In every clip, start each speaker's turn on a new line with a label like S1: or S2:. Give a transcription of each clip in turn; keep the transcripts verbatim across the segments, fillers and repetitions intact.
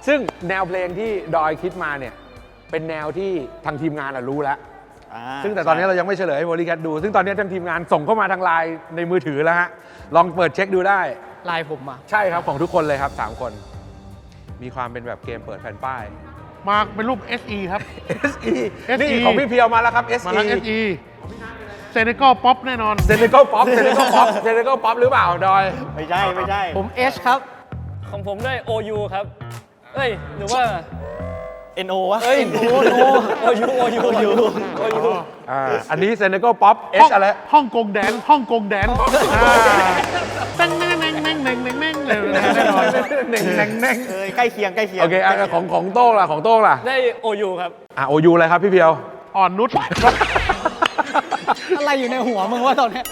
S1: ซึ่งแนวเพลงที่ดอยคิดมาเนี่ยเป็นแนวที่ทางทีมงานรู้แล้วซึ่งแต่ตอนนี้เรายังไม่เฉลยให้โมลี่แคทดู ซึ่งตอนนี้ทางทีมงานส่งเข้ามาทางไลน์ในมือถือแล้วฮะลองเปิดเช็คดูได้
S2: ไลน์ผมอ่ะ
S1: ใช่ครับของทุกคนเลยครับสามคนมีความเป็นแบบเกมเปิดแผ่นป้าย
S3: มาเป็นรูป เอส อี ครับ
S1: เอส อี นี่ของพี่เพียวมาแล้วครับ เอส อี
S3: มาแล้ว เอส อี เซเนกัลป๊อปแน่นอน
S1: เซเนกัลป๊อปเซเนกัลป๊อปเซเนกัลป๊อปหรือเปล่าดอย
S4: ไม่ใช่ไม่ใช่
S2: ผม H ครับ
S5: ของผมได้ โอ ยู ครับเอ้ยหรือว่า
S4: เอ็น โอ วะ
S5: เอ้ยโอ โอ โอ ยู โอ ยู โอ ยู โอ ยู
S1: อ่าอันนี้เซเนกัลป๊อป เอช อะไร
S3: ฮ่องกงแดนฮ่องกงแดนแน่งแน่งแน่งแน่งแน่งแน่งแน่งเลยแน่นอน
S1: เน่งเน่งเน่ง
S4: เออใกล้เคียงใกล้เคียง
S1: โอเคอ่ะของของโต้งล่ะของโต้งล่ะ
S5: ได้ โอ ยู ครับ
S1: อ่ะ โอ ยู อะไรครับพี่เพียว
S3: อ่อนนุช
S2: อะไรอยู่ในหัวมึงว่าตอนนี้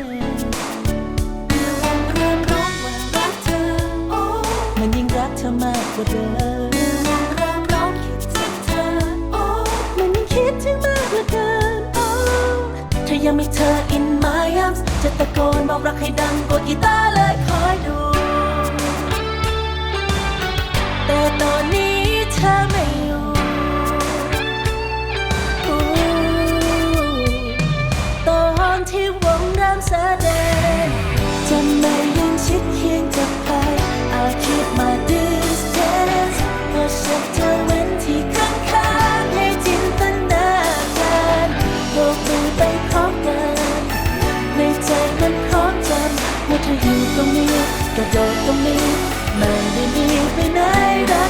S6: มันยิ่งรักเธอมากกว่าเดิมเริ่มร้องคิดถึงเธอโอ้มันยิ่งคิดถึงมากเหลือเกินโอ้ถ้ายังมีเธอ in my arms จะตะโกนบอกรักให้ดังกว่ากีตาร์เลยคอยดูแต่ตอนนี้เธอไม่อยู่ตอนที่วงเริ่มแสดงจะไม่ยืนชิดเคียงจะไปI keep my distance เพราะฉันเธอเว้นที่ข้างๆให้จินตนาการโลกดูไปพร้อมกันในใจมันพร้อมจำว่าเธออยู่ตรงนี้กระโดดตรงนี้ไม่ได้หนีไปไหนได้